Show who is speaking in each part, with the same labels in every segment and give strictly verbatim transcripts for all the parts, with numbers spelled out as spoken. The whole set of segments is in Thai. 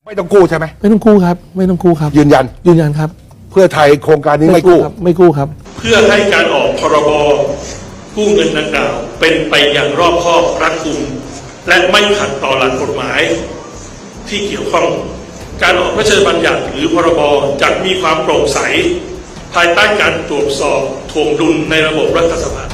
Speaker 1: ไม่ต้องกู้ใช่ไหม
Speaker 2: ไม่ต้องกู้ครับไม่ต้องกู้ครับ
Speaker 1: ยืนยัน
Speaker 2: ยืนยันครับ
Speaker 1: เพื่อไทยโครงการนี้ไม่กู้
Speaker 2: ไม่กู้ครับ
Speaker 3: เพื่อให้การออกพรบกู้เงินดังกล่าวเป็นไปอย่างรอบคอบรัดกุมและไม่ขัดต่อหลักกฎหมายที่เกี่ยวข้องการออกพระราชบัญญัติหรือพรบจะมีความโปร่งใสภายใต้การตรวจสอบทวงดุลในระบบรัฐสภา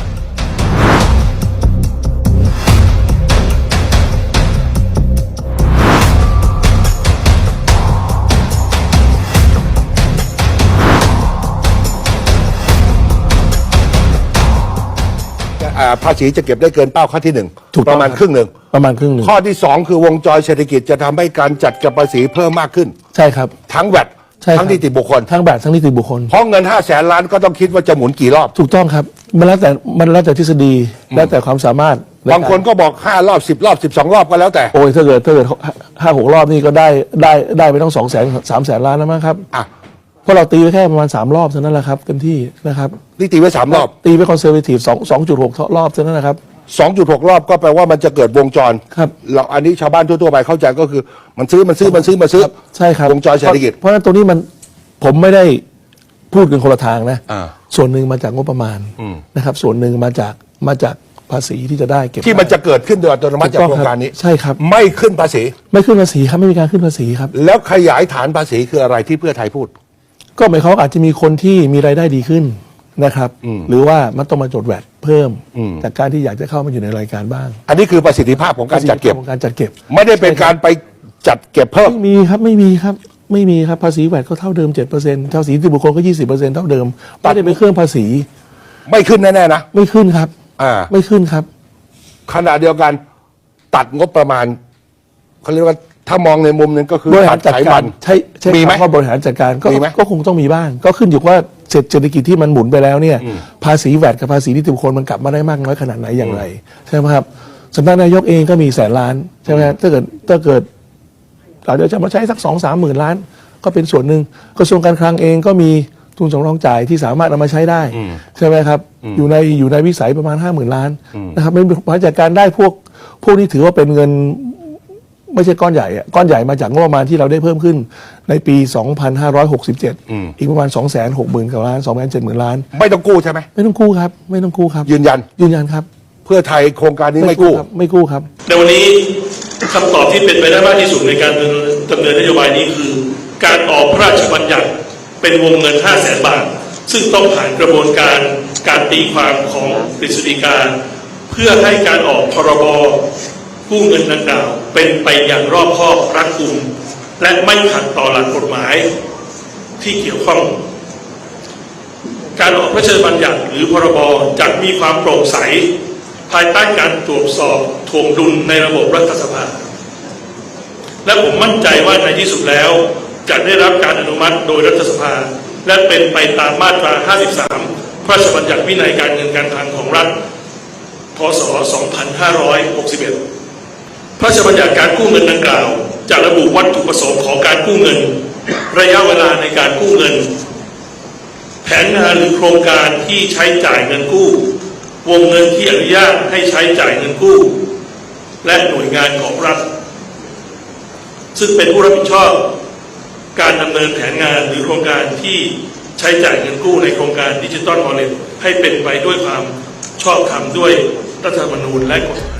Speaker 1: ภาษีจะเก็บได้เกินเป้าข้อที่หนึ่งประมาณครึ่งหนึ่ง
Speaker 2: ประมาณครึ่งหนึ่ง
Speaker 1: ข้อที่สองคือวงจรเศรษฐกิจจะทำให้การจัดเก็บภาษีเพิ่มมากขึ้น
Speaker 2: ใช่ครับ
Speaker 1: ทั้งแวดทั้งนิติบุคคล
Speaker 2: ทั้งแวดทั้งนิติบุคคล
Speaker 1: เพราะเงินห้าแสนล้านก็ต้องคิดว่าจะหมุนกี่รอบ
Speaker 2: ถูกต้องครับมันแล้วแต่มันแล้วแต่ทฤษฎีแล้วแต่ความสามารถ
Speaker 1: บางคนก็บอกห้ารอบสิบรอบสิบสองรอบก็แล้วแต่
Speaker 2: โอ้ยถ้าเกิดถ้าเกิดห้าหกรอบนี่ก็ได้ได้ได้ไปต้องสองแสนสามแสนล้านแล้วมั้งครับ
Speaker 1: อ่ะ
Speaker 2: เพราะเราตีไว้แค่ประมาณสามรอบเท่านั้นแหละครับเต็มที่นะครับ
Speaker 1: นี่ตีไว้สามรอบ
Speaker 2: ตีไว้คอนเซอร์เวทีฟสองสองจุดหกรอบเท่านั้นนะครับ
Speaker 1: สองจุดหกรอบก็แปลว่ามันจะเกิดวงจร
Speaker 2: ครับ
Speaker 1: เราอันนี้ชาวบ้านทั่วๆไปเข้าใจก็คือมันซื้อมันซื้อมันซื้อมาซื้อ
Speaker 2: ใช่ครับ
Speaker 1: วงจรเศรษฐกิจ
Speaker 2: เพราะฉะนั้นตรงนี้มันผมไม่ได้พูดกันคนละทางนะ
Speaker 1: อ่า
Speaker 2: ส่วนหนึ่งมาจากงบประมาณนะครับส่วนหนึ่งมาจากมาจากภาษีที่จะได้เก็บ
Speaker 1: ที่มันจะเกิดขึ้นโดยอัตโนมัติจากโครงการนี้
Speaker 2: ใช่ครับ
Speaker 1: ไม่ขึ้นภาษี
Speaker 2: ไม่ขึ้นภาษีครับไม่มีการขึ้นภาษีครับ
Speaker 1: แล้วขยายฐานภาษีคืออะไรที่เพื่อไทยพูด
Speaker 2: ก็หมายความว่าอาจจะมีคนที่มีรายได้ดีขึ้นนะครับหรือว่ามันต้องมาจดแวดเพิ่มจากการที่อยากจะเข้ามาอยู่ในรายการบ้าง
Speaker 1: อันนี้คือประสิทธิภาพของการจัดเก็บ
Speaker 2: ของการจัดเก็บ
Speaker 1: ไม่ได้เป็นการไปจัดเก็บเพิ่ม
Speaker 2: ไม่มีครับไม่มีครับไม่มีครับภาษีแวดก็เท่าเดิม เจ็ดเปอร์เซ็นต์ ภาษีนิติบุคคลก็ ยี่สิบเปอร์เซ็นต์ เท่าเดิมไม่ได้เป็นเครื่องภาษี
Speaker 1: ไม่ขึ้นแน่ๆนะ
Speaker 2: ไม่ขึ้นครับ
Speaker 1: อ่า
Speaker 2: ไม่ขึ้นครับ
Speaker 1: ขณะเดียวกันตัดงบประมาณเขาเรียกว่าถ้ามองในมุมนึงก็คือบ
Speaker 2: ริหารจัดการใช่ใช่
Speaker 1: มีไหม
Speaker 2: ว่าบริหารจัดการก็ก็คงต้องมีบ้างก็ขึ้นอยู่ว่าเศรษฐกิจที่มันหมุนไปแล้วเนี่ยภาษีแวดกับภาษีนิติบุคคลมันกลับมาได้มากน้อยขนาดไหนอย่างไรใช่ไหมครับสำนักนายกเองก็มีแสนล้านใช่ไหมครับถ้าเกิดถ้าเกิดเราเดี๋ยวจะมาใช้สักสองสามหมื่นล้านก็เป็นส่วนหนึ่งกระทรวงการคลังเองก็มีทุนสำรองจ่ายที่สามารถเอามาใช้ได้ใช่ไหมครับอยู่ในอยู่ในวิสัยประมาณห้าหมื่นล้านนะครับไม่บริหารจัดการได้พวกพวกนี้ถือว่าเป็นเงินไม่ใช่ก้อนใหญ่ก้อนใหญ่มาจากงบประมาณที่เราได้เพิ่มขึ้นในปีสองพันห้าร้อยหกสิบเจ็ดอีกประมาณ สองแสนหกหมื่น กว่าล้าน สองแสนเจ็ดหมื่น ล้าน
Speaker 1: ไม่ต้องกู้ใช่ไหม
Speaker 2: ไม่ต้องกู้ครับไม่ต้องกู้ครับ
Speaker 1: ยืนยัน
Speaker 2: ยืนยันครับ
Speaker 1: เพื่อไทยโครงการนี้ไม่กู้
Speaker 2: ไม่กู้ครับ
Speaker 3: ในวันนี้คำตอบที่เป็นไปได้มากที่สุดในการดำเนินนโยบายนี้คือการออกพระราชบัญญัติเป็นวงเงิน ห้าแสน บาทซึ่งต้องผ่านกระบวนการการตีความของกฤษฎีกาเพื่อให้การออกพรบกู้เงินดังกล่าวเป็นไปอย่างรอบคอบรัดกุมและไม่ขัดต่อหลักกฎหมายที่เกี่ยวข้องการออกพระราชบัญญัติหรือพรบจะมีความโปร่งใสภายใต้การตรวจสอบทวงดุลในระบบรัฐสภาและผมมั่นใจว่าในที่สุดแล้วจะได้รับการอนุมัติโดยรัฐสภาและเป็นไปตามมาตราห้าสิบสามพระราชบัญญัติวินัยการเงินการคลังของรัฐพ.ศ. สองพันห้าร้อยหกสิบเอ็ดพระราชบัญญัติการกู้เงินดังกล่าวจะระบุวัตถุประสงค์ของการกู้เงินระยะเวลาในการกู้เงินแผนงานหรือโครงการที่ใช้จ่ายเงินกู้วงเงินที่อนุญาตให้ใช้จ่ายเงินกู้และหน่วยงานของรัฐซึ่งเป็นผู้รับผิดชอบการดำเนินแผนงานหรือโครงการที่ใช้จ่ายเงินกู้ในโครงการดิจิตอลวอลเล็ตให้เป็นไปด้วยความชอบธรรมด้วยรัฐธรรมนูญและกฎหมาย